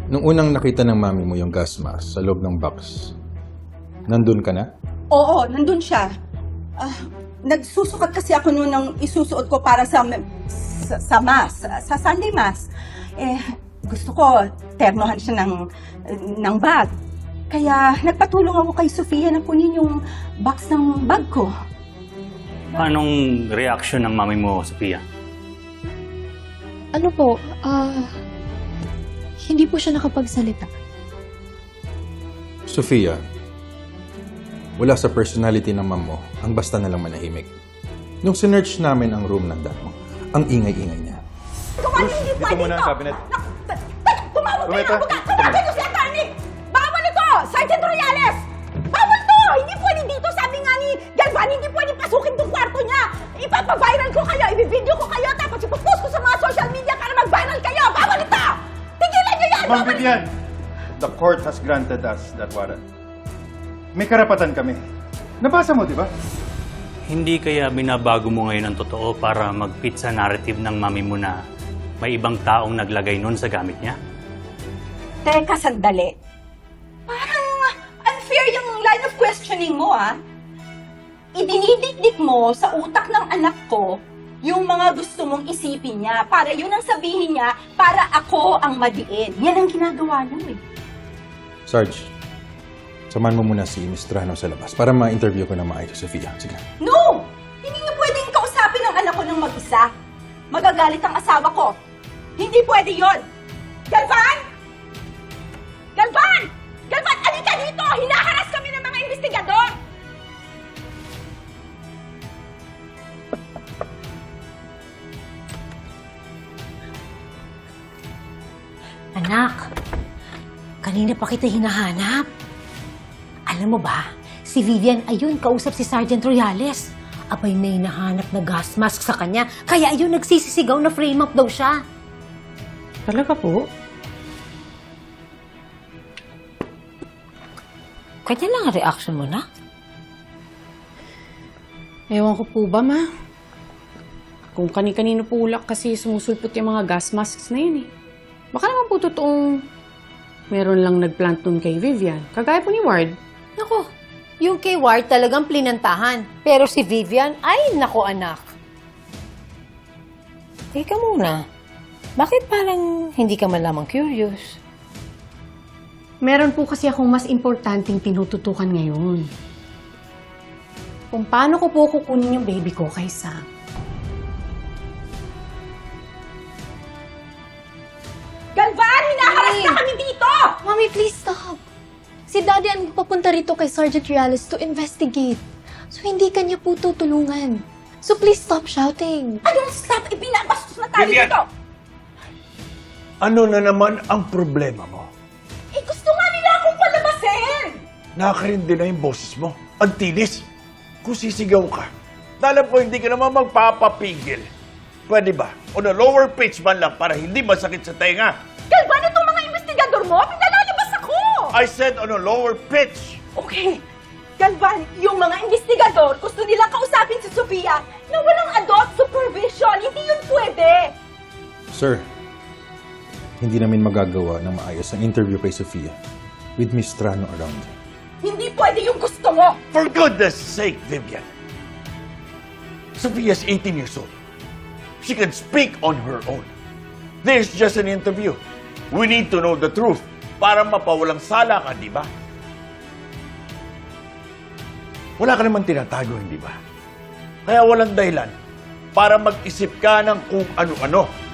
Nung unang nakita ng mami mo yung gas mask sa loob ng box, nandun ka na? Oo, nandun siya. Nagsusukat kasi ako noon ng isusuot ko para sa mass, sa Sunday mass. Gusto ko, ternohan siya ng bag. Kaya nagpatulong ako kay Sofia na kunin yung box ng bag ko. Anong reaction ng mami mo, Sophia? Ano po, hindi po siya nakapagsalita. Sofia, wala sa personality ng mom mo ang basta nalang manahimik. Nung sinearch namin ang room ng dad mo, ang ingay-ingay niya. Dito muna ang cabinet. Tumawag kayo Tumeta. ng abogado! Tumawag ko si attorney! Bawal ito! Sergeant Royales! Bawal to! Hindi pwede dito! Sabi nga ni Galvan, hindi pwede pasukin tong kwarto niya! Ipapaviral ko kayo! Ibibideo ko kayo! Tapos ipopost ko sa mga social media para mag-viral kayo! Bawal ito! Tigilan niyo yan! Ma'am Vivian, the court has granted us that warrant. May karapatan kami. Nabasa mo, di ba? Hindi kaya binabago mo ngayon ang totoo para mag-fit sa narrative ng mami mo na may ibang taong naglagay nun sa gamit niya? Teka, sandali. Parang unfair yung line of questioning mo, ah. Idinidikdik mo sa utak ng anak ko yung mga gusto mong isipin niya para yun ang sabihin niya para ako ang madiin. Yan ang ginagawa niyo, eh. Sarge, samahan mo muna si Miss Trano sa labas para ma-interview ko na maayos si Sofia. Sige. No! Hindi niyo pwedeng kausapin ang anak ko ng mag-isa. Magagalit ang asawa ko. Hindi pwede yon. Galvan! Galvan! Galvan, alika dito! Hinaharas kami ng mga investigador! Anak, kanina pa kita hinahanap. Alam mo ba, si Vivian ayun kausap si Sergeant Royales. Abay may nahanap na gas mask sa kanya, kaya ayun nagsisisigaw na frame up daw siya. Talaga po? Kanya lang ang reaction mo na. Ewan ko po ba, ma? Kung kani-kanino po ulak kasi sumusulpot yung mga gas masks na yun eh. Baka naman po totoong meron lang nagplant nun kay Vivian. Kagaya po ni Ward. Nako, yung kay Ward talagang plinantahan. Pero si Vivian, ay nako anak. Teka muna, bakit parang hindi ka man lamang curious? Meron po kasi akong mas importanteng tinututukan ngayon. Kung paano ko po kukunin yung baby ko kay Sam. Galvan, hinaharas na kami dito! Mommy, please stop. Si Daddy ang papunta rito kay Sergeant Reales to investigate. So, hindi kanya po tutulungan. So, please stop shouting. Anong stop? Ibinabastos na tayo Vivian! dito! Ano na naman ang problema mo? Gusto nga nila akong palabasin! Nakakarindi na yung boses mo. Ang tinis. Kung sisigaw ka, alam ko hindi ka naman magpapapigil. Pwede ba? On a lower pitch man lang para hindi masakit sa tenga. Galvan, itong mga investigador mo, pinalalabas ako! I said on a lower pitch. Okay. Galvan, yung mga investigador, gusto nilang kausapin si Sofia na walang adult supervision. Hindi yun pwede. Sir, hindi namin magagawa ng maayos ang interview kay Sofia with Miss Trano around. Hindi pwede yung gusto mo. For goodness sake, Vivian. Sophia's 18 years old. She can speak on her own. This is just an interview. We need to know the truth para mapawalang sala ka, di ba? Wala ka naman tinatago, hindi ba? Kaya walang dahilan para mag-isip ka ng kung ano-ano.